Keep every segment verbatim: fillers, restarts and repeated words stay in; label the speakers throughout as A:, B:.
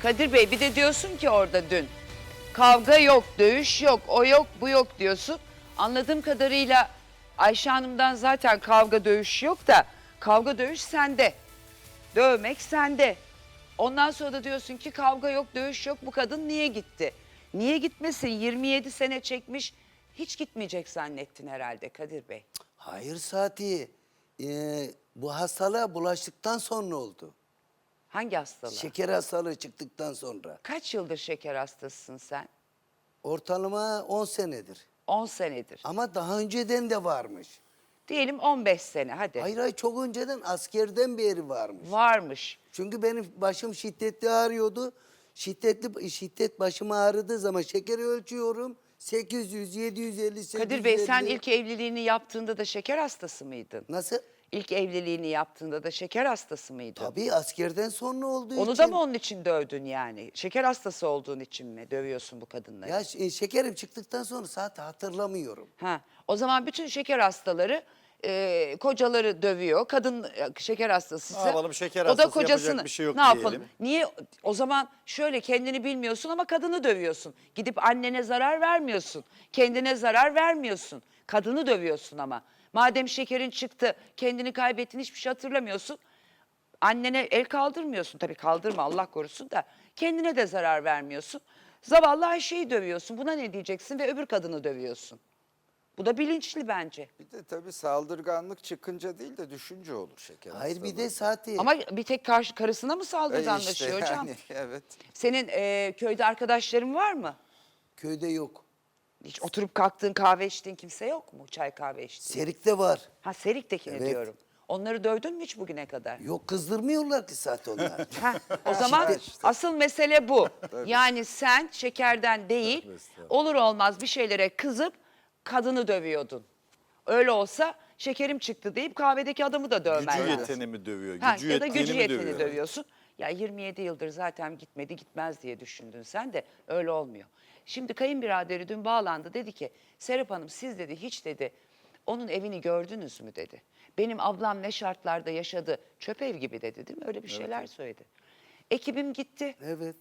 A: Kadir Bey bir de diyorsun ki orada dün kavga yok, dövüş yok, o yok, bu yok diyorsun. Anladığım kadarıyla Ayşe Hanım'dan zaten kavga dövüş yok da kavga dövüş sende. Dövmek sende. Ondan sonra da diyorsun ki kavga yok, dövüş yok, bu kadın niye gitti? Niye gitmesin? yirmi yedi sene çekmiş, hiç gitmeyecek zannettin herhalde Kadir Bey.
B: Hayır Sati. Ee, bu hastalığa bulaştıktan sonra oldu.
A: Hangi hastalığı?
B: Şeker hastalığı çıktıktan sonra.
A: Kaç yıldır şeker hastasısın sen?
B: Ortalama on senedir.
A: on senedir.
B: Ama daha önceden de varmış.
A: Diyelim on beş sene hadi.
B: Hayır hayır çok önceden askerden beri varmış.
A: Varmış.
B: Çünkü benim başım şiddetli ağrıyordu. Şiddetli şiddet başım ağrıdığı zaman şekeri ölçüyorum. sekiz yüz, yedi yüz elli, sekiz yüz elli.
A: Kadir Bey sen ilk evliliğini yaptığında da şeker hastası mıydın?
B: Nasıl?
A: İlk evliliğini yaptığında da şeker hastası mıydın?
B: Tabii askerden sonra olduğu
A: Onu
B: için.
A: da mı onun için dövdün yani? Şeker hastası olduğun için mi dövüyorsun bu kadınları?
B: Ya ş- şekerim çıktıktan sonra saat hatırlamıyorum.
A: Ha, o zaman bütün şeker hastaları e, kocaları dövüyor. Kadın e, şeker hastası.
C: Ne yapalım, şeker
A: O da
C: hastası,
A: kocasını.
C: yapacak bir şey yok
A: Ne yapalım?
C: diyelim.
A: Niye? O zaman şöyle kendini bilmiyorsun ama kadını dövüyorsun. Gidip annene zarar vermiyorsun. Kendine zarar vermiyorsun. Kadını dövüyorsun ama. Madem şekerin çıktı, kendini kaybettin, hiçbir şey hatırlamıyorsun. Annene el kaldırmıyorsun. Tabii kaldırma Allah korusun da. Kendine de zarar vermiyorsun. Zavallı Ayşe'yi dövüyorsun. Buna ne diyeceksin ve öbür kadını dövüyorsun. Bu da bilinçli bence.
D: Bir de tabii saldırganlık çıkınca değil de düşünce olur şeker
B: Hayır bir
D: hastalığı.
B: de Sati.
A: Ama bir tek karşı karısına mı
D: E
A: saldırganlaşıyor
D: işte
A: hocam?
D: yani, evet.
A: Senin e, köyde arkadaşların var mı?
B: Köyde yok.
A: Hiç oturup kalktığın kahve içtiğin kimse yok mu? Çay kahve içtiğin.
B: Serik'te var.
A: Ha Serik'tekini
B: Evet.
A: diyorum. Onları dövdün mü hiç bugüne kadar?
B: Yok kızdırmıyorlar ki zaten onlar.
A: Ha, o zaman
D: işte.
A: asıl mesele bu. Yani sen şekerden değil, olur olmaz bir şeylere kızıp kadını dövüyordun. Öyle olsa şekerim çıktı deyip kahvedeki adamı da dövmen
C: Gücü
A: lazım.
C: yeteni mi dövüyor?
A: Ha,
C: Gücü
A: ya da
C: yettiğini
A: gücü
C: mi
A: yeteni
C: dövüyor?
A: dövüyorsun. Ya yirmi yedi yıldır zaten gitmedi gitmez diye düşündün sen de öyle olmuyor. Şimdi kayınbiraderi dün bağlandı dedi ki Serap Hanım siz dedi hiç dedi onun evini gördünüz mü dedi. Benim ablam ne şartlarda yaşadı çöp ev gibi dedi değil mi öyle bir şeyler söyledi. Ekibim gitti
B: Evet,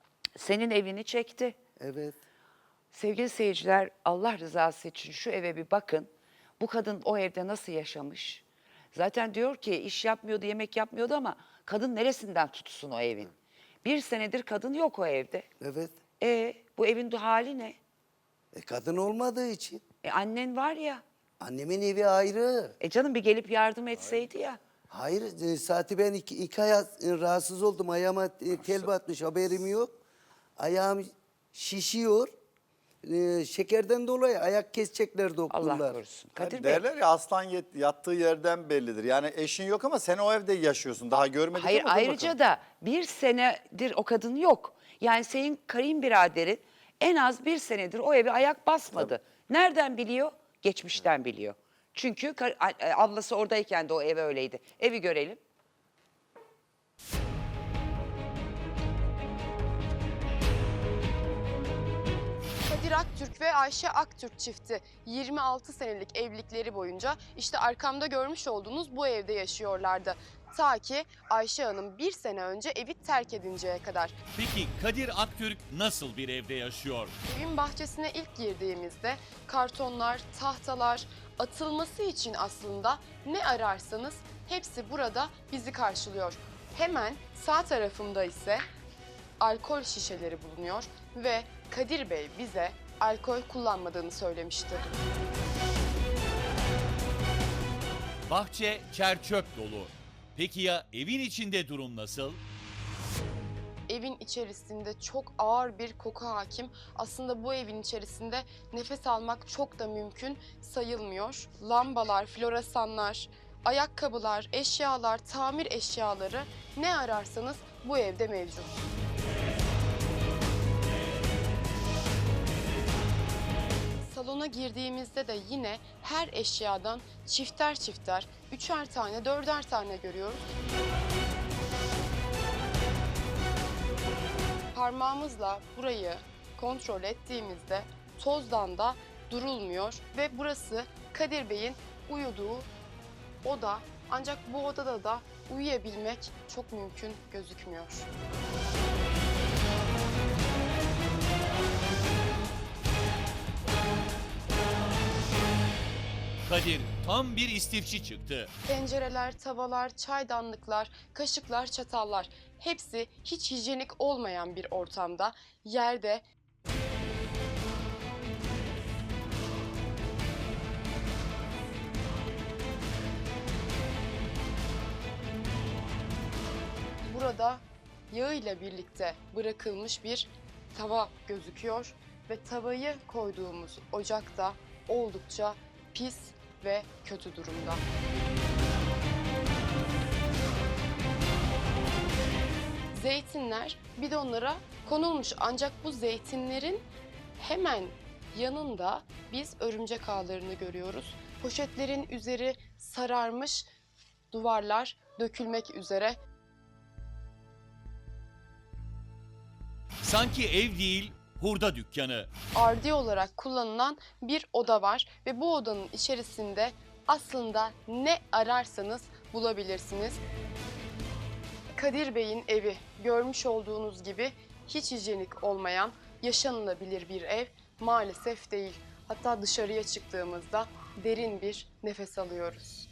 A: senin evini çekti.
B: evet.
A: Sevgili seyirciler Allah rızası için şu eve bir bakın. Bu kadın o evde nasıl yaşamış? Zaten diyor ki iş yapmıyordu, yemek yapmıyordu ama kadın neresinden tutsun o evin? Bir senedir kadın yok o evde.
B: Evet.
A: E bu evin hali ne?
B: E, kadın olmadığı için.
A: E annen var ya.
B: Annemin evi ayrı.
A: E canım bir gelip yardım etseydi ya.
B: Hayır, e, Sati ben iki, iki ay e, rahatsız oldum. Ayağıma e, tel batmış, haberim yok. Ayağım şişiyor. E, şekerden dolayı ayak kesecekler doktorlar.
A: Allah korusun. Kadir
C: Yani
A: Bey.
C: derler ya aslan yet- yattığı yerden bellidir. Yani eşin yok ama sen o evde yaşıyorsun. Daha görmedik
A: Hayır
C: ama dur
A: ayrıca
C: bakalım.
A: da bir senedir o kadın yok. Yani senin kayınbiraderin en az bir senedir o eve ayak basmadı. Nereden biliyor? Geçmişten biliyor. Çünkü kar- a- a- ablası oradayken de o ev öyleydi. Evi görelim.
E: Kadir Aktürk ve Ayşe Aktürk çifti yirmi altı senelik evlilikleri boyunca işte arkamda görmüş olduğunuz bu evde yaşıyorlardı. Ta ki Ayşe Hanım bir sene önce evi terk edinceye kadar.
F: Peki Kadir Aktürk nasıl bir evde yaşıyor?
E: Evin bahçesine ilk girdiğimizde kartonlar, tahtalar, atılması için aslında ne ararsanız hepsi burada bizi karşılıyor. Hemen sağ tarafımda ise alkol şişeleri bulunuyor ve Kadir Bey bize alkol kullanmadığını söylemişti.
F: Bahçe çer-çöp dolu. Peki ya evin içinde durum nasıl?
E: Evin içerisinde çok ağır bir koku hakim. Aslında bu evin içerisinde nefes almak çok da mümkün sayılmıyor. Lambalar, floresanlar, ayakkabılar, eşyalar, tamir eşyaları ne ararsanız bu evde mevcut. Salona girdiğimizde de yine her eşyadan çifter çifter, üçer tane, dörder tane görüyoruz. Parmağımızla burayı kontrol ettiğimizde tozdan da durulmuyor ve burası Kadir Bey'in uyuduğu oda. Ancak bu odada da uyuyabilmek çok mümkün gözükmüyor.
F: Kadir tam bir istifçi çıktı.
E: Tencereler, tavalar, çaydanlıklar, kaşıklar, çatallar hepsi hiç hijyenik olmayan bir ortamda yerde. Burada yağıyla birlikte bırakılmış bir tava gözüküyor ve tavayı koyduğumuz ocak da oldukça pis ve kötü durumda. Zeytinler bidonlara konulmuş ancak bu zeytinlerin hemen yanında biz örümcek ağlarını görüyoruz. Poşetlerin üzeri sararmış, duvarlar dökülmek üzere.
F: Sanki ev değil, hurda dükkanı.
E: Ardi olarak kullanılan bir oda var ve bu odanın içerisinde aslında ne ararsanız bulabilirsiniz. Kadir Bey'in evi görmüş olduğunuz gibi hiç hijyenik olmayan, yaşanılabilir bir ev maalesef değil. Hatta dışarıya çıktığımızda derin bir nefes alıyoruz.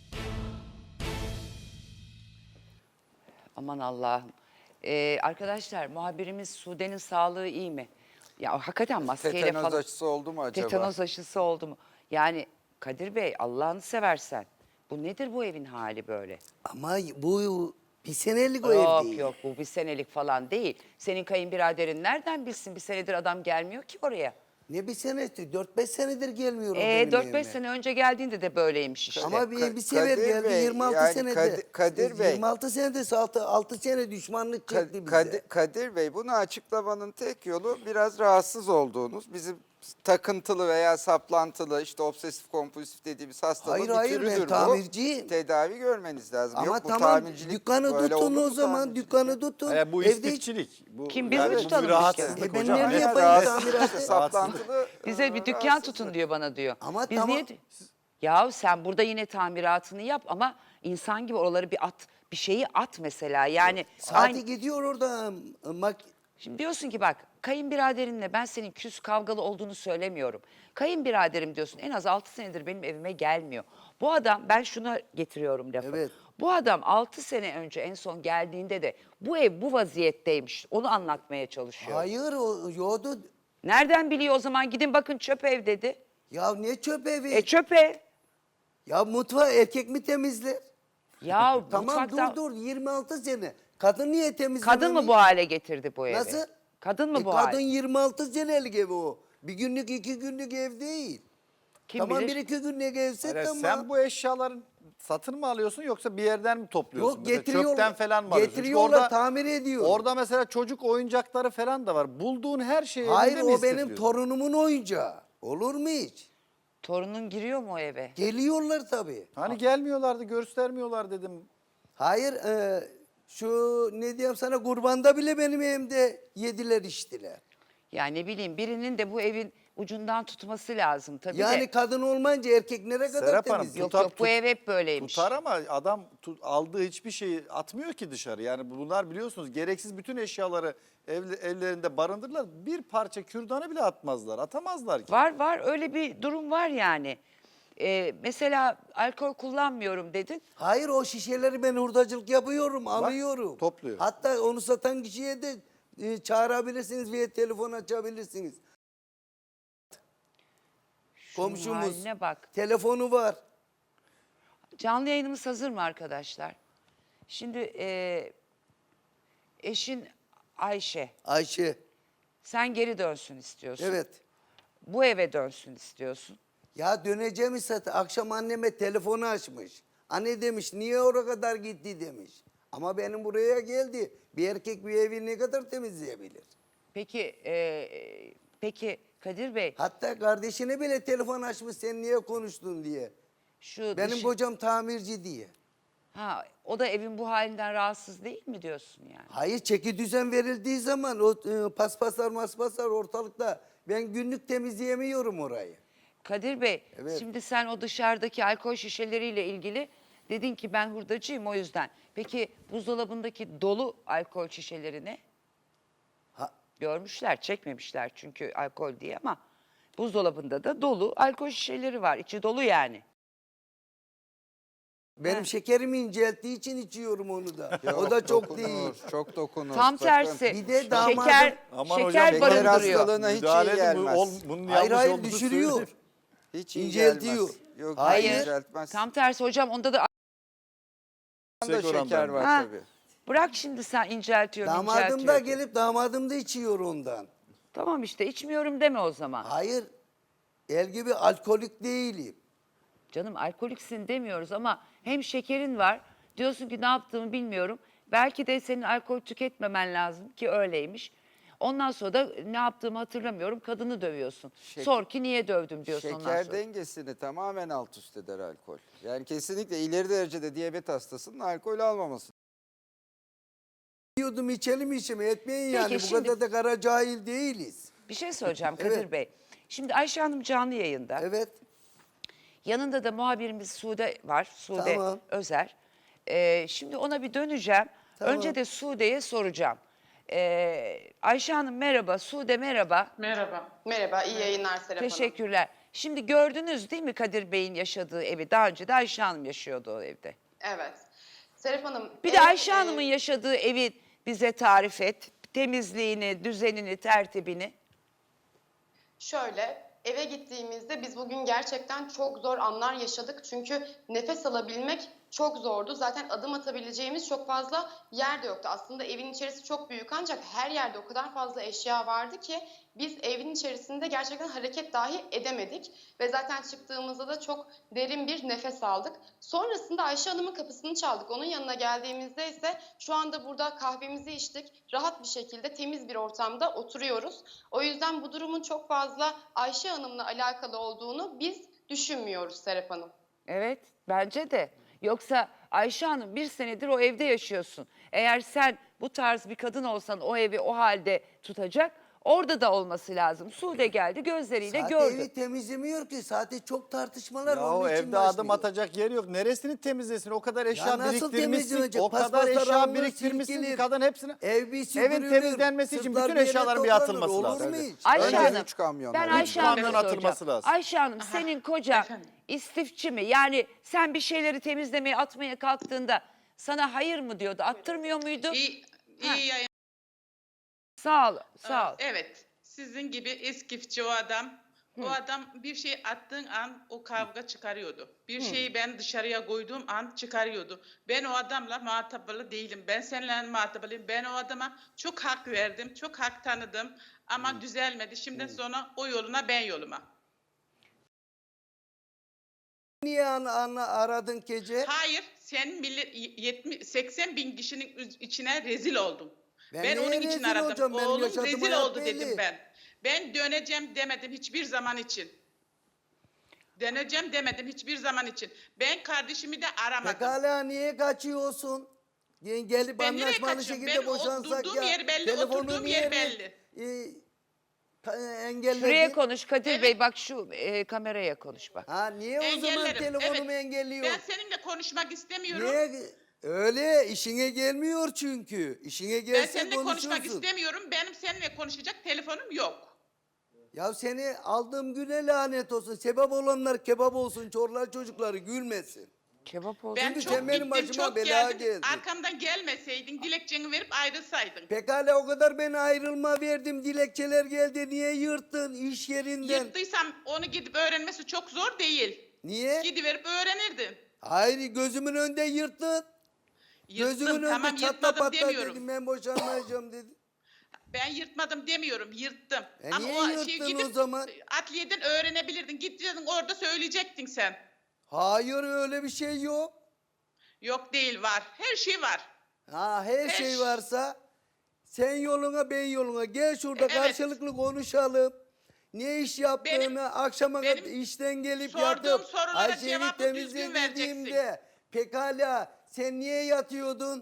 A: Aman Allah'ım. Ee, arkadaşlar muhabirimiz Sude'nin sağlığı iyi mi? Ya hakikaten maskeyle
D: Tetanoz
A: falan.
D: aşısı oldu mu acaba?
A: Tetanoz aşısı oldu mu? Yani Kadir Bey Allah'ını seversen. Bu nedir bu evin hali böyle?
B: Ama bu bir senelik o ev
A: Yok
B: değil.
A: yok bu bir senelik falan değil. Senin kayınbiraderin nereden bilsin bir senedir adam gelmiyor ki oraya.
B: Ne bir senesi? Dört beş senedir gelmiyorum
A: Ee,
B: benim
A: dört
B: evime.
A: beş sene önce geldiğinde de böyleymiş işte.
B: Ama bir,
D: Ka-
B: bir sefer
D: Kadir
B: geldi
D: Bey,
B: yirmi altı
D: yani
B: senede.
D: Kadir- Kadir Bey.
B: yirmi altı senede altı, altı sene düşmanlık
D: Ka-
B: çekti bize.
D: Kadir, Kadir Bey, bunu açıklamanın tek yolu biraz rahatsız olduğunuz, bizim takıntılı veya saplantılı, işte obsesif kompulsif dediğimiz hastalığın
B: Hayır,
D: bir
B: hayır, ben
D: türüdür bu.
B: tamirciyim.
D: Tedavi görmeniz lazım.
B: Ama
D: Yok, bu
B: tamam
D: tamircilik
B: dükkanı
D: böyle
B: tutun
D: olur
B: o
D: mu
B: zaman
D: tamircilik?
B: dükkanı tutun.
C: E, bu
B: Evde-
C: istifçilik. Bu,
A: Kim, biz mi
C: bu bir
A: tutalım
C: rahatsızlık
A: dükkanı?
B: E, ben
C: hocam.
B: nerede
C: Evet,
B: yapayım
C: rahatsız-
B: tamiratı?
D: İşte saplantılı.
A: Bize
D: e,
A: bir dükkan
D: rahatsızlık.
A: tutun diyor bana diyor.
B: Ama
A: Biz
B: tamam.
A: niye... Ya sen burada yine tamiratını yap ama insan gibi oraları bir at, bir şeyi at mesela. Yani
B: Saati
A: aynı...
B: gidiyor orada. Mak
A: Şimdi diyorsun ki bak kayınbiraderinle ben senin küs kavgalı olduğunu söylemiyorum. Kayınbiraderim diyorsun en az altı senedir benim evime gelmiyor. Bu adam ben şuna getiriyorum lafı.
B: Evet.
A: Bu adam altı sene önce en son geldiğinde de bu ev bu vaziyetteymiş. Onu anlatmaya çalışıyor.
B: Hayır o yoğdu.
A: Nereden biliyor o zaman gidin bakın çöp ev dedi.
B: Ya ne çöp evi?
A: E çöp ev.
B: Ya mutfağı erkek mi temizler?
A: Ya
B: Tamam
A: mutfakta...
B: dur dur yirmi altı sene. Kadın niye temizlememiş?
A: Kadın mı bu hale getirdi bu evi?
B: Nasıl?
A: Kadın mı
B: E,
A: bu
B: kadın
A: hale?
B: yirmi altı senelik ev o. Bir günlük iki günlük ev değil.
A: Kim
B: tamam
A: bilir?
B: bir iki günlük evse
C: Evet,
B: tamam.
C: sen bu eşyaların satın mı alıyorsun yoksa bir yerden mi topluyorsun?
B: Yok
C: Mesela
B: getiriyorlar.
C: Çöpten falan mı alıyorsun? Çünkü
B: Getiriyorlar
C: orada-
B: tamir ediyor.
C: Orada mesela çocuk oyuncakları falan da var. Bulduğun her şeyi
B: Hayır
C: elinde mi
B: o benim
C: istifliyorsun?
B: torunumun oyuncağı. Olur mu hiç?
A: Torunun giriyor mu o eve?
B: Geliyorlar tabii.
C: Hani gelmiyorlardı, göstermiyorlar dedim.
B: Hayır e, şu ne diyeyim sana kurbanda bile benim evimde yediler içtiler.
A: Yani ne bileyim birinin de bu evin ucundan tutması lazım tabii
B: Yani
A: de.
B: kadın olmayınca erkek nereye kadar
C: Serap Hanım,
B: temizliyor?
A: Yok
C: tutar-
A: yok bu
C: tut-
A: ev hep böyleymiş.
C: Tutar ama adam tu- aldığı hiçbir şeyi atmıyor ki dışarı. Yani bunlar biliyorsunuz gereksiz bütün eşyaları ev- evlerinde barındırırlar. Bir parça kürdanı bile atmazlar, atamazlar ki.
A: Var var öyle bir durum var yani. Ee, mesela alkol kullanmıyorum dedin.
B: Hayır o şişeleri ben hurdacılık yapıyorum, alıyorum.
C: topluyor.
B: Hatta onu satan kişiye de e, çağırabilirsiniz veya telefon açabilirsiniz.
A: Şunun
B: Komşumuz
A: haline bak.
B: telefonu var.
A: Canlı yayınımız hazır mı arkadaşlar? Şimdi e, eşin Ayşe.
B: Ayşe.
A: Sen geri dönsün istiyorsun.
B: Evet.
A: Bu eve dönsün istiyorsun.
B: Ya döneceğim ise akşam anneme telefonu açmış. Anne demiş niye oraya kadar gitti demiş. Ama benim buraya geldi. Bir erkek bir evi ne kadar temizleyebilir?
A: Peki e, peki Kadir Bey
B: Hatta kardeşine bile telefon açmış sen niye konuştun diye.
A: şu
B: Benim
A: dışı-
B: kocam tamirci diye.
A: ha o da evin bu halinden rahatsız değil mi diyorsun yani?
B: Hayır çeki düzen verildiği zaman o e, paspaslar maspaslar ortalıkta ben günlük temizleyemiyorum orayı.
A: Kadir Bey,
B: Evet.
A: şimdi sen o dışarıdaki alkol şişeleriyle ilgili dedin ki ben hurdacıyım o yüzden. Peki buzdolabındaki dolu alkol şişeleri ne?
B: Ha,
A: Görmüşler, çekmemişler çünkü alkol diye ama buzdolabında da dolu alkol şişeleri var. İçi dolu yani.
B: Benim
A: Ha.
B: şekerimi incelttiği için içiyorum onu da.
D: Yok,
B: o da çok
D: dokunur,
B: değil.
D: Çok dokunur.
A: Tam
D: sakın.
A: tersi.
B: Bir de damadım-
A: şeker,
C: Aman
A: şeker
C: hocam, şeker
A: barındırıyor.
D: hastalığına hiç iyi
C: Müdahale edin, bu-
D: gelmez.
C: ol- bunun
B: Hayır
C: yanlış
B: hayır
C: olduğunu
B: düşürüyor.
C: söyleyin.
D: Hiç iyi
B: İnceltiyor.
D: gelmez. Yok,
B: Hayır.
A: Hayır.
D: inceltmez.
A: Tam tersi hocam, onda da
D: da
C: Yüksek oranda.
D: şeker var
A: Ha.
D: tabii.
A: bırak şimdi sen inceltiyorum
B: Damadım da
A: inceltiyorum.
B: gelip damadım da içiyor ondan.
A: Tamam işte içmiyorum deme o zaman.
B: Hayır. El gibi alkolik değilim.
A: Canım alkoliksin demiyoruz ama hem şekerin var. Diyorsun ki ne yaptığımı bilmiyorum. Belki de senin alkol tüketmemen lazım ki öyleymiş. Ondan sonra da ne yaptığımı hatırlamıyorum. Kadını dövüyorsun.
D: Şek-
A: Sor ki niye dövdüm diyorsun ondan
D: Şeker
A: sonra.
D: dengesini tamamen alt üst eder alkol. Yani kesinlikle ileri derecede diyabet hastasının alkol almaması.
B: Diyordum içelim içelim etmeyin
A: Peki,
B: yani. Bu
A: şimdi-
B: kadar da kara cahil değiliz.
A: Bir şey söyleyeceğim Kadir
B: Evet.
A: Bey. Şimdi Ayşe Hanım canlı yayında.
B: Evet.
A: Yanında da muhabirimiz Sude var. Sude
B: Tamam.
A: Özer. Ee, şimdi ona bir döneceğim.
B: Tamam.
A: Önce de Sude'ye soracağım. Ee, Ayşe Hanım merhaba, Sude merhaba.
G: Merhaba.
E: Merhaba, iyi yayınlar Serap Hanım.
A: Teşekkürler. Şimdi gördünüz değil mi Kadir Bey'in yaşadığı evi? Daha önce de Ayşe Hanım yaşıyordu o evde.
E: Evet. Serap Hanım.
A: Bir de
E: ev,
A: Ayşe
E: e,
A: Hanım'ın yaşadığı evi bize tarif et. Temizliğini, düzenini, tertibini.
E: Şöyle, eve gittiğimizde biz bugün gerçekten çok zor anlar yaşadık. Çünkü nefes alabilmek çok zordu. Zaten adım atabileceğimiz çok fazla yer de yoktu. Aslında evin içerisi çok büyük ancak her yerde o kadar fazla eşya vardı ki biz evin içerisinde gerçekten hareket dahi edemedik. Ve zaten çıktığımızda da çok derin bir nefes aldık. Sonrasında Ayşe Hanım'ın kapısını çaldık. Onun yanına geldiğimizde ise şu anda burada kahvemizi içtik. Rahat bir şekilde temiz bir ortamda oturuyoruz. O yüzden bu durumun çok fazla Ayşe Hanım'la alakalı olduğunu biz düşünmüyoruz Serap Hanım.
A: Evet, bence de. Yoksa Ayşe Hanım bir senedir o evde yaşıyorsun. Eğer sen bu tarz bir kadın olsan o evi o halde tutacak, orada da olması lazım. Sude geldi gözleriyle
B: Zaten
A: gördü.
B: evi temizlemiyor ki. Zaten çok tartışmalar
C: Ya
B: onun
C: o
B: için
C: evde adım
B: başlıyor.
C: atacak yer yok. Neresini temizlesin? O kadar eşya
B: Ya nasıl
C: biriktirmişsin.
B: temizlenecek?
C: O kadar
B: Paspaslar
C: eşya
B: alınır,
C: biriktirmişsin ki
B: silkilir.
C: kadın hepsini.
B: Ev bir süpürülür.
C: Evin temizlenmesi için
B: sırtlar
C: bütün
B: bir yere
C: eşyaların bir
B: toplanır.
C: atılması
B: Olur
C: lazım.
B: mu
C: Evet.
B: hiç?
A: Ayşe
D: Önce
A: Hanım,
D: üç kamyon
A: ben
D: lazım.
A: Ayşe
C: Üç
A: Hanım'a
C: kamyon
A: soracağım.
C: atılması lazım.
A: Ayşe Hanım senin kocan
G: Efendim?
A: istifçi mi? Yani sen bir şeyleri temizlemeye atmaya kalktığında sana hayır mı diyordu? Attırmıyor muydu?
G: İyi,
A: Ha.
G: iyi yayın.
A: Sağ ol, sağ ol.
G: Evet. Sizin gibi eskifçi o adam. O adam bir şey attığın an o kavga çıkarıyordu. Bir şeyi ben dışarıya koyduğum an çıkarıyordu. Ben o adamla muhatabılı değilim. Ben seninle muhatabılıyım. Ben o adama çok hak verdim. Çok hak tanıdım. Ama düzelmedi. Şimdi sonra o yoluna ben yoluma.
B: Niye ana, ana aradın gece?
G: Hayır, sen millet yetmiş seksen bin kişinin üz- içine rezil oldum.
B: Ben
G: Ben,
B: neye
G: onun için
B: rezil
G: aradım.
B: olacağım? Benim
G: Oğlum
B: yaşadığım
G: rezil
B: hayat
G: oldu
B: belli.
G: dedim ben. Ben döneceğim demedim hiçbir zaman için. Döneceğim demedim hiçbir zaman için. Ben kardeşimi de aramadım.
B: Pekala niye kaçıyorsun? Yani gelip
G: Ben nereye
B: anlaşmalı
G: kaçıyorum?
B: şekilde
G: Ben o-
B: boşansak
G: durduğum
B: ya.
G: yer belli,
B: telefonu
G: oturduğum
B: niye
G: yer
B: be-
G: belli.
B: E, ka- engelledin?
A: Şuraya konuş Kadir
G: Evet.
A: Bey, bak şu e, kameraya konuş bak.
B: Ha niye o zaman
G: Engellerim,
B: telefonumu
G: evet.
B: engelliyor?
G: Ben seninle konuşmak istemiyorum.
B: Niye? Öyle işine gelmiyor çünkü. İşine
G: Ben
B: gelse
G: seninle konuşmak
B: konuşursun.
G: istemiyorum. Benim seninle konuşacak telefonum yok.
B: Ya seni aldığım güne lanet olsun. Sebep olanlar kebap olsun. Çorlar çocukları gülmesin.
A: Kebap oldu.
G: Ben
B: Çünkü
G: çok
B: sen benim
G: gittim,
B: başıma
G: çok
B: bela
G: geldim.
B: geldin.
G: Arkamdan gelmeseydin, dilekçeni verip ayrılsaydın.
B: Pekala o kadar ben ayrılma verdim. Dilekçeler geldi. Niye yırttın iş yerinden?
G: Yırttıysam onu gidip öğrenmesi çok zor değil.
B: Niye?
G: Gidiverip öğrenirdin.
B: Hayır gözümün önünde yırttın.
G: Yırttım,
B: Gözümün önünde
G: tamam
B: çatla
G: yırtmadım
B: patla
G: demiyorum.
B: dedim. Ben boşanmayacağım dedim.
G: Ben yırtmadım demiyorum, yırttım.
B: E niye yırttın o zaman?
G: Adliyeden öğrenebilirdin. Gidecektin orada söyleyecektin sen.
B: Hayır öyle bir şey yok.
G: Yok değil, var. Her şey var.
B: Ha her
G: Her
B: şey
G: ş-
B: varsa sen yoluna ben yoluna gel şurada
G: Evet.
B: karşılıklı konuşalım. Ne iş yaptığını
G: Benim-
B: akşama kadar
G: benim
B: işten gelip
G: sorduğum
B: yatıp
G: sorulara
B: Ayşe'yi
G: cevabı
B: temizle
G: düzgün
B: dediğimde pekala sen niye yatıyordun?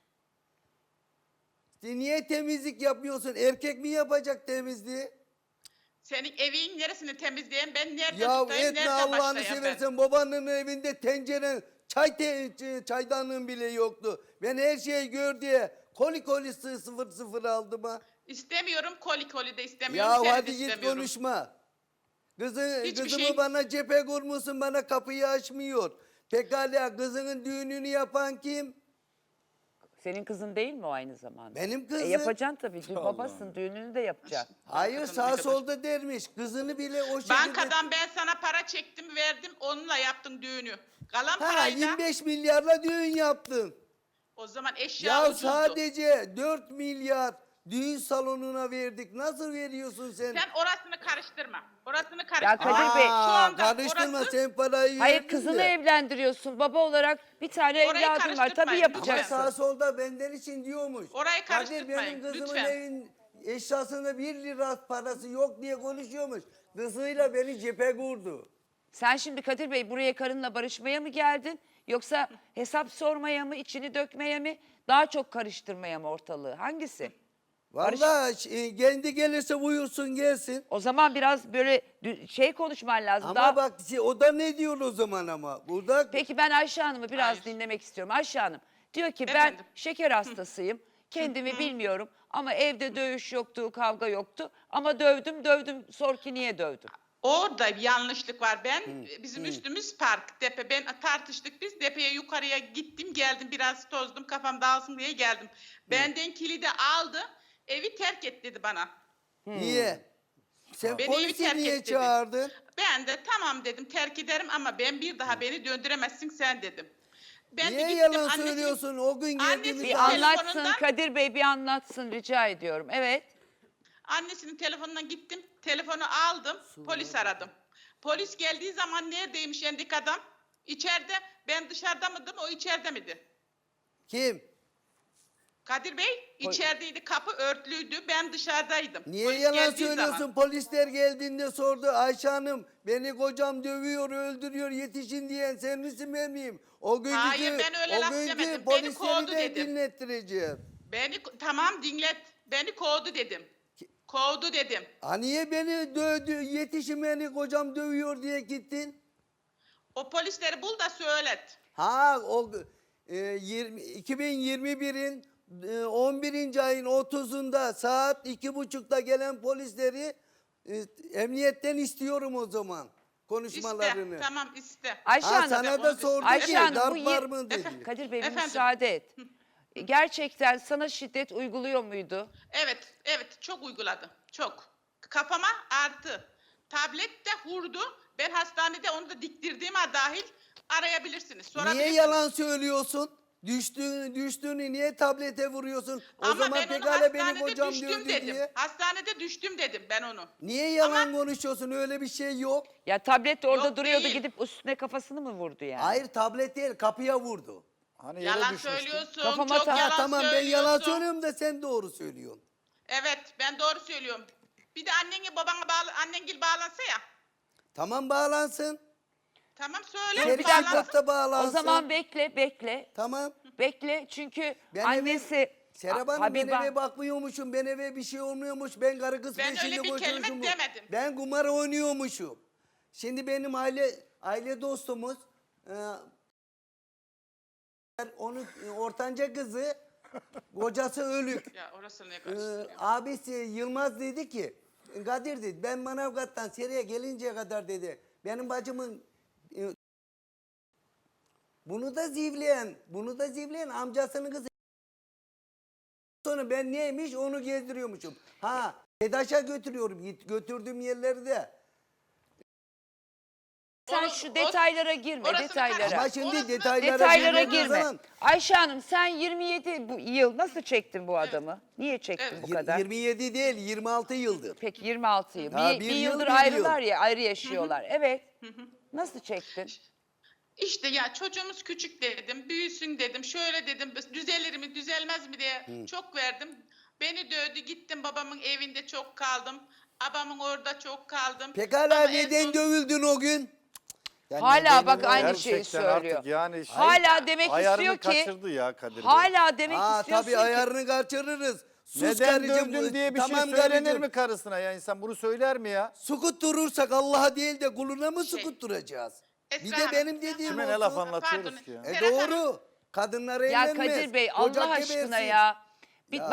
B: Sen niye temizlik yapmıyorsun? Erkek mi yapacak temizliği?
G: Senin evin neresini temizleyen ben nerede
B: Ya
G: tutayım,
B: etme
G: nerede
B: Allah'ını
G: başlayayım ben?
B: seversen babanın evinde tencere çay te, ç- çaydanlığın bile yoktu. Ben her şeyi gör diye koli koli sı- sıfır sıfır aldım ha.
G: İstemiyorum, koli koli de istemiyorum,
B: Ya
G: seni de
B: hadi git
G: istemiyorum.
B: konuşma. Kızı,
G: Hiçbir
B: kızımı
G: şey-
B: bana cephe kurmuşsun bana kapıyı açmıyor. Pekala kızının düğününü yapan kim?
A: Senin kızın değil mi o aynı zamanda?
B: Benim
A: E
B: kızım.
A: yapacaksın tabii. Dü- babasın, düğününü de yapacaksın.
B: Hayır
G: Kadın
B: sağ
G: ne kadar-
B: solda dermiş. Kızını bile o şekilde...
G: Bankadan ben sana para çektim verdim onunla yaptın düğünü. Kalan
B: Ha
G: parayla
B: yirmi beş milyarla düğün yaptın.
G: o zaman eşya
B: Ya
G: ucuzdu.
B: sadece dört milyar düğün salonuna verdik. Nasıl veriyorsun sen?
G: Sen orasını karıştırma. Orasını
A: Ya
G: karıştırma.
A: Kadir Bey,
G: Şu
B: Aa,
G: anda
B: karıştırma
G: orası-
B: sen parayı
A: Hayır
B: verdin
A: kızını
B: de.
A: evlendiriyorsun. Baba olarak bir tane
G: Orayı
A: evladın var. Tabii
G: karıştırmayın.
B: Ama
A: yapacaksın.
B: sağ solda benden için diyormuş.
G: Orayı
B: Kadir
G: karıştırmayın,
B: benim kızımın
G: lütfen.
B: evin eşyasında bir lira parası yok diye konuşuyormuş. Kızıyla beni cephe kurdu.
A: Sen şimdi Kadir Bey buraya karınla barışmaya mı geldin? Yoksa hesap sormaya mı, içini dökmeye mi, daha çok karıştırmaya mı ortalığı? Hangisi?
B: Vallahi e, kendi gelirse buyursun gelsin.
A: O zaman biraz böyle dü- şey konuşman lazım.
B: Ama
A: daha...
B: bak şey, o da ne diyor o zaman ama. Burada
A: Peki ben Ayşe Hanım'ı biraz
G: Hayır.
A: dinlemek istiyorum. Ayşe Hanım diyor ki ben
G: Efendim?
A: şeker hastasıyım. Kendimi bilmiyorum ama evde dövüş yoktu, kavga yoktu. Ama dövdüm, dövdüm. Sor ki niye dövdüm?
G: Orada bir yanlışlık var. Ben bizim üstümüz park, depe. Ben tartıştık biz. Depeye yukarıya gittim, geldim biraz tozdum, kafam dağılsın diye geldim. Benden kilidi aldı, evi terk et dedi bana.
B: niye? Sen
G: Beni evi
B: polisi
G: terk
B: niye
G: et dedi.
B: çağırdın?
G: Ben de tamam dedim, terk ederim ama ben bir daha beni döndüremezsin sen dedim. Ben de
B: Niye
G: gittim,
B: yalan
G: annesinin-
B: söylüyorsun? O gün
G: Annesi
B: geldiğimiz
A: Bir
G: Bir
B: zaman-
A: anlatsın
G: telefonundan-
A: Kadir Bey, bir anlatsın rica ediyorum. Evet.
G: Annesinin telefonundan gittim. Telefonu aldım. Polis aradım. Polis geldiği zaman neredeymiş endik adam? İçeride. Ben dışarıda mıydım? O içeride miydi?
B: Kim?
G: Kadir Bey içerideydi. Kapı örtülüydü. Ben dışarıdaydım.
B: Niye
G: Polis
B: yalan
G: geldiği
B: söylüyorsun?
G: zaman.
B: Polisler geldiğinde sordu. Ayşe Hanım beni kocam dövüyor, öldürüyor, yetişin diyen sen misin ben miyim? O günkü,
G: Hayır, ben öyle
B: o
G: laf
B: günkü
G: demedim. Beni
B: polisleri
G: kovdu
B: de
G: dedim.
B: dinlettireceğim.
G: Beni tamam dinlet. Beni kovdu dedim. Kovdu dedim.
B: Ha niye beni dövdü, yetişin beni kocam dövüyor diye gittin?
G: O polisleri bul da söylet.
B: Ha o e, yirmi, iki bin yirmi birin e, on birinci ayın otuzunda saat iki buçukta gelen polisleri e, emniyetten istiyorum o zaman konuşmalarını.
G: İste. Tamam iste.
A: Ayşe
B: Ha,
A: Hanım.
B: sana da sordu
A: Ayşe
B: ki
A: Hanım, bu
B: darp
A: yir-
B: var mı dedi.
G: Efendim?
A: Kadir Bey bir
G: Efendim?
A: müsaade et. Gerçekten sana şiddet uyguluyor muydu?
G: Evet, evet çok uyguladı. Çok. Kafama artı. Tablet de vurdu. Ben hastanede onu da diktirdiğime dahil arayabilirsiniz. Sorabilirsiniz.
B: Niye yalan söylüyorsun? Düştüğünü, düştüğünü niye tablete vuruyorsun? O
G: Ama
B: zaman
G: ben onu
B: pekala benim
G: hastanede
B: kocam
G: düştüm
B: dövdü
G: dedim.
B: diye.
G: Hastanede düştüm dedim ben onu.
B: Niye yalan
G: Ama-
B: konuşuyorsun? Öyle bir şey yok.
A: Ya tablet orada
G: Yok,
A: duruyordu,
G: değil.
A: gidip üstüne kafasını mı vurdu yani?
B: Hayır tablet değil kapıya vurdu.
C: Hani yere
G: Yalan
C: düşmüştü.
G: söylüyorsun.
A: Kafama
G: çok
A: ta-
B: Ha,
G: yalan
B: tamam ben
G: söylüyorsun.
B: yalan söylüyorum da sen doğru söylüyorsun.
G: Evet ben doğru söylüyorum. Bir de annenle babana bağlı, annengil bağlansa ya.
B: Tamam bağlansın.
G: Tamam söyle.
B: Seri
A: bir dakika.
B: şirkette bağlansın.
A: O zaman bekle, bekle.
B: Tamam.
A: Bekle çünkü
B: Ben
A: annesi
B: eve, Serap
A: A-
B: Hanım ben
A: Habiba-
B: eve bakmıyormuşum. Ben eve bir şey olmuyormuş. Ben karı kız
G: Ben
B: peşinde
G: öyle bir kelime
B: koşuyormuşum.
G: demedim.
B: Ben kumar oynuyormuşum. Şimdi benim aile aile dostumuz e, onun e, ortanca kızı kocası ölük.
G: Ya orası ne
B: Ee,
G: karıştırıyor?
B: abisi Yılmaz dedi ki Kadir dedi ben Manavgat'tan Seri'ye gelinceye kadar dedi benim bacımın e, bunu da zivleyen bunu da zivleyen amcasının kızı. Sonra ben neymiş onu gezdiriyormuşum. Ha TEDAŞ'a götürüyorum git götürdüğüm yerlerde.
A: Sen
G: Onu-
A: şu
G: o-
A: detaylara girme,
G: orasını
A: detaylara.
G: karıştırma.
B: Ama şimdi
G: Orasını-
B: detaylara,
A: Detaylara
B: girmediğin
A: girme.
B: zaman
A: Ayşe Hanım sen yirmi yedi bu yıl nasıl çektin bu adamı? Niye çektin
G: Evet.
A: bu
B: yir-
A: kadar?
B: yirmi yedi değil yirmi altı yıldır.
A: Peki yirmi altı yıl.
B: Ha,
A: bir,
B: bir
A: bir
B: yıl,
A: yıldır
B: bir
A: ayrılar
B: yıl.
A: ya, ayrı yaşıyorlar. Evet. Nasıl çektin?
G: İşte ya çocuğumuz küçük dedim, büyüsün dedim, şöyle dedim, düzelir mi, düzelmez mi diye çok verdim. Beni dövdü, gittim babamın evinde çok kaldım. Babamın orada çok kaldım.
B: Pekala
G: Ama en
B: neden
G: son-
B: dövüldün o gün?
C: Yani
A: Hala
C: nedeni
A: bak
C: o.
A: aynı
C: Gerçekten
A: şeyi söylüyor.
C: Artık yani şey-
A: Hala demek
C: ayarını
A: istiyor ki
C: kaçırdı ya Kadir Bey.
A: hala demek
B: Aa
A: istiyorsun
B: tabii
A: ki
B: ayarını kaçırırız. Sus
C: Neden
B: karıcığım,
C: dövdün diye bir
B: tamam
C: şey söylenir
B: karıcığım.
C: mi karısına ya insan bunu söyler mi ya?
B: Sukut durursak Allah'a değil de kuluna mı
G: Şey,
B: sukut duracağız?
G: Esra
B: Bir de
G: Hanım,
B: benim dediğim
C: Kime
B: olsun.
C: ne laf anlatıyoruz
G: Pardon.
C: ki ya?
B: E
G: Serap Hanım.
B: doğru. Kadınlar
A: ya
B: evlenmez.
A: Kadir Bey
B: Ocak
A: Allah aşkına
B: gebersin.
A: ya. Bir
B: Ya.
A: bak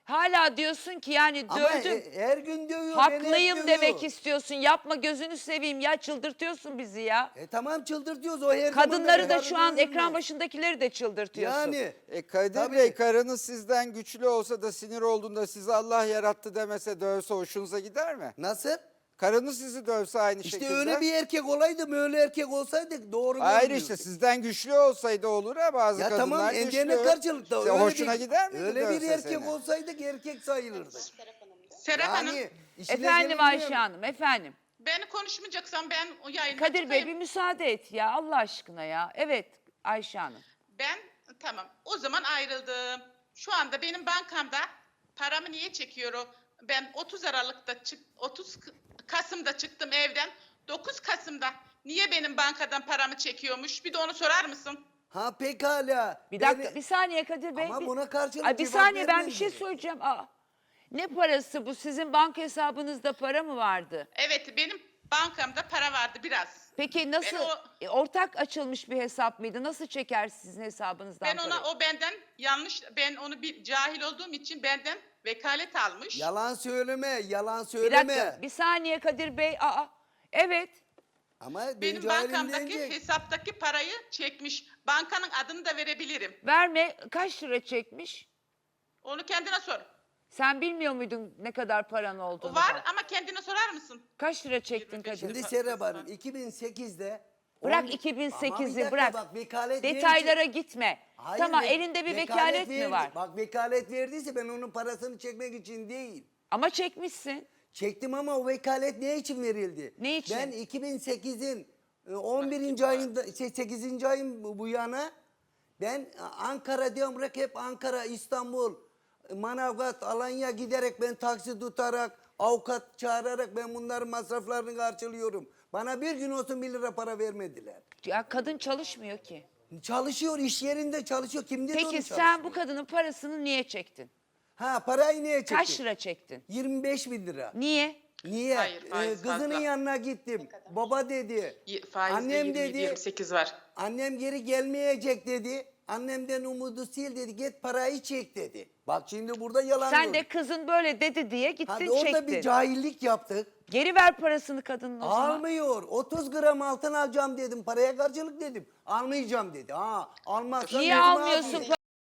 A: Hala diyorsun ki yani
B: Ama
A: dövdüm.
B: e- her gün dövüyor. beni hep
A: Haklıyım
B: dövüyor.
A: demek istiyorsun. Yapma gözünü seveyim ya, çıldırtıyorsun bizi ya.
B: E tamam çıldırtıyoruz o her zaman
A: Kadınları da
B: her
A: şu an
B: dövülmez.
A: ekran başındakileri de çıldırtıyorsun.
B: Yani.
D: E Kadir
B: Tabii.
D: Bey, karınız sizden güçlü olsa da sinir olduğunda sizi Allah yarattı demese, dövse hoşunuza gider mi?
B: Nasıl?
D: Karınız sizi dövse aynı
B: İşte
D: şekilde.
B: öyle bir erkek olaydı mı, öyle erkek olsaydık doğru
D: Hayır
B: görünüyordu.
D: işte sizden güçlü olsaydı olur ya, bazı
B: Ya
D: kadınlar
B: tamam
D: güçlü.
B: endene karşılıkta.
D: İşte
B: öyle
D: hoşuna
B: bir,
D: gider miydi
B: Öyle bir
D: dövse
B: erkek
D: seni?
B: olsaydık erkek sayılırdı.
G: Serap Hanım,
B: Yani işine
A: Efendim
B: gelinmiyor
A: Ayşe
B: mu?
A: Hanım, efendim.
G: beni konuşmayacaksan ben o yayına
A: Kadir Bey
G: çıkayım.
A: bir müsaade et ya Allah aşkına ya. Evet Ayşe Hanım.
G: Ben tamam o zaman ayrıldım. Şu anda benim bankamda paramı niye çekiyor o? Ben otuz Aralık'ta çık otuz Kasım'da çıktım evden. dokuz Kasım'da niye benim bankadan paramı çekiyormuş? Bir de onu sorar mısın?
B: Ha pekala.
A: Bir dakika
B: Beni-
A: bir saniye Kadir Bey.
B: Ama
A: bir-
B: buna karşılık
A: Ay, bir
B: cevap
A: saniye ben bir
B: vermedi.
A: şey söyleyeceğim. Aa, ne parası bu? Sizin banka hesabınızda para mı vardı?
G: Evet benim bankamda para vardı biraz.
A: Peki nasıl?
G: Ben o-
A: E, ortak açılmış bir hesap mıydı? Nasıl çeker sizin hesabınızdan
G: Ben ona
A: parayı?
G: o benden yanlış ben onu bir cahil olduğum için benden vekalet almış.
B: Yalan söyleme, yalan
A: Bir
B: söyleme.
A: dakika bir saniye Kadir Bey. Aa, evet.
B: Ama ben
G: Benim
B: cahilim
G: bankamdaki
B: deyince-
G: hesaptaki parayı çekmiş. Bankanın adını da verebilirim.
A: Verme kaç lira çekmiş?
G: Onu kendine sor.
A: Sen bilmiyor muydun ne kadar paran
G: O
A: olduğunu?
G: var
A: falan?
G: ama kendine sorar mısın?
A: Kaç lira çektin
G: yirmi beş
A: Kadir?
B: Şimdi Serap Hanım iki bin sekizde
A: Bırak
B: on-
A: iki bin
B: Ama bir
A: sekizi
B: dakika
A: bırak.
B: Bak, vekalet
A: Detaylara
B: verince-
A: gitme.
B: Hayır,
A: tamam
B: ve-
A: elinde bir vekalet,
B: verdi.
A: mi var?
B: Bak vekalet verdiyse ben onun parasını çekmek için değil.
A: Ama çekmişsin.
B: Çektim ama o vekalet ne için verildi?
A: Ne için?
B: Ben iki bin sekizin e, on birinci ayında şey, sekizinci ayın bu bu yana ben e, Ankara diyorum bırak hep Ankara, İstanbul, e, Manavgat, Alanya giderek ben taksi tutarak, avukat çağırarak ben bunların masraflarını karşılıyorum. Bana bir gün olsun bir lira para vermediler.
A: Ya kadın çalışmıyor ki.
B: Çalışıyor, iş yerinde çalışıyor. Kim dedi onu
A: Peki sen
B: çalışmıyor?
A: bu kadının parasını niye çektin?
B: Ha parayı niye çektin?
A: Kaç lira çektin?
B: yirmi beş bin lira.
A: Niye?
B: Niye?
G: Hayır, faiz
B: Ee, kızının
G: fazla.
B: yanına gittim. Baba dedi.
G: Y- Faizde
B: Annem
G: yirmi,
B: dedi.
G: yirmi sekiz var.
B: Annem geri gelmeyecek dedi. Annemden umudu sil dedi. Git parayı çek dedi. Bak şimdi burada yalan
A: Sen
B: yok.
A: de kızın böyle dedi diye
B: Ha,
A: gittin
B: orada
A: çektin.
B: bir cahillik yaptık.
A: Geri ver parasını kadının o zaman.
B: Almıyor. otuz gram altın alacağım dedim. Paraya karşılık dedim. Almayacağım dedi. Ha, almazsan
A: Niye
B: gözüme
A: almıyorsun?
B: almayayım.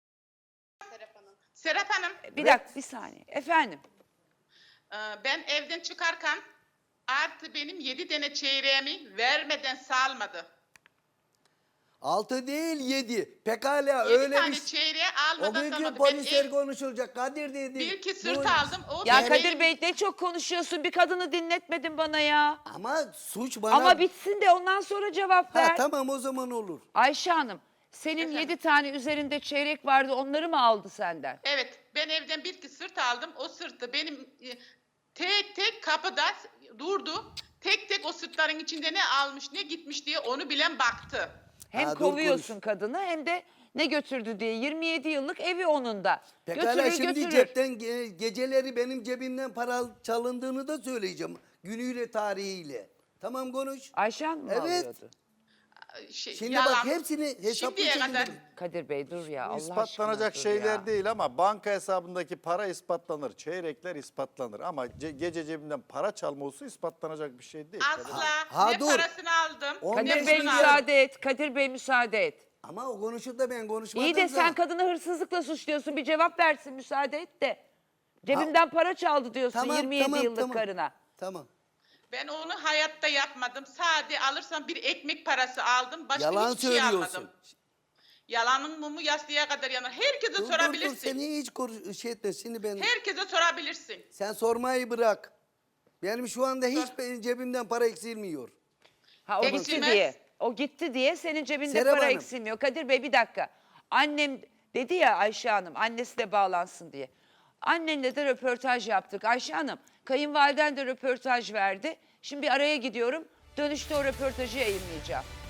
G: Serap Hanım,
A: Bir dakika bir saniye. Efendim.
G: e, ben evden çıkarken artı benim yedi tane çeyreğimi vermeden salmadı.
B: Altı değil yedi. Pekala
G: Yedi
B: öyle
G: tane
B: bir şey.
G: çeyreği
B: O
G: almadan
B: günkü
G: salmadı. Ben
B: polisler
G: ev,
B: konuşulacak. Kadir dedi.
G: bir iki
B: Bu-
G: sırt aldım. O
A: Ya
G: benim-
A: Kadir Bey ne çok konuşuyorsun. Bir kadını dinletmedin bana ya.
B: Ama suç bana...
A: Ama bitsin de ondan sonra cevap ver.
B: Ha, tamam o zaman olur.
A: Ayşe Hanım senin yedi tane üzerinde çeyrek vardı, onları mı aldı senden?
G: Evet, ben evden bir iki sırt aldım. O sırtı benim e, tek tek kapıda durdu. Tek tek o sırtların içinde ne almış ne gitmiş diye onu bilen baktı.
A: Hem
B: Ha, dur
A: kovuyorsun
B: konuş.
A: kadını hem de ne götürdü diye. yirmi yedi yıllık evi onun da.
B: Pekala
A: Götürür
B: şimdi
A: götürür.
B: cepten ge- geceleri benim cebimden para çalındığını da söyleyeceğim. Günüyle tarihiyle. Tamam konuş.
A: Ayşe Hanım mı
B: Evet.
A: alıyordu?
G: Şey,
B: Şimdi
G: yalan.
B: bak hepsini hesaplı
G: Şimdiye
B: şekilde-
G: kadar
A: Kadir Bey dur ya Allah
C: İspatlanacak
A: aşkına dur
C: şeyler
A: ya.
C: değil ama banka hesabındaki para ispatlanır. Çeyrekler ispatlanır ama ce- gece cebinden para çalması ispatlanacak bir şey değil.
G: asla
B: Ha,
G: ne
B: dur.
G: parasını aldım.
B: On
G: ne
B: beş
A: Kadir Bey
G: pulunu
B: milyar-
G: aldım.
A: müsaade et. Kadir Bey müsaade et.
B: Ama o konuşur da ben konuşmadım
A: İyi de
B: da.
A: sen kadını hırsızlıkla suçluyorsun. Bir cevap versin müsaade et de. Cebimden para çaldı diyorsun
B: Tamam,
A: yirmi yedi
B: tamam,
A: yıllık
B: tamam.
A: karına.
B: Tamam.
G: Ben onu hayatta yapmadım. Sadece alırsam bir ekmek parası aldım. Başka
B: Yalan
G: hiçbir şey
B: söylüyorsun.
G: almadım. Yalanın mumu yastığa kadar yanar. Herkese
B: Dur, dur, dur,
G: sorabilirsin.
B: seni hiç konuş- şey etme. Şimdi ben...
G: Herkese sorabilirsin.
B: Sen sormayı bırak. Benim şu anda hiç benim cebimden para eksilmiyor.
A: Ha o
G: Peki,
A: gitti
G: Silmez.
A: diye. O gitti diye senin cebinde
B: Serap
A: para
B: Hanım.
A: eksilmiyor. Kadir Bey bir dakika. Annem dedi ya Ayşe Hanım annesi de bağlansın diye. Annenle de röportaj yaptık. Ayşe Hanım kayınvaliden de röportaj verdi. Şimdi bir araya gidiyorum. Dönüşte o röportajı yayınlayacağım.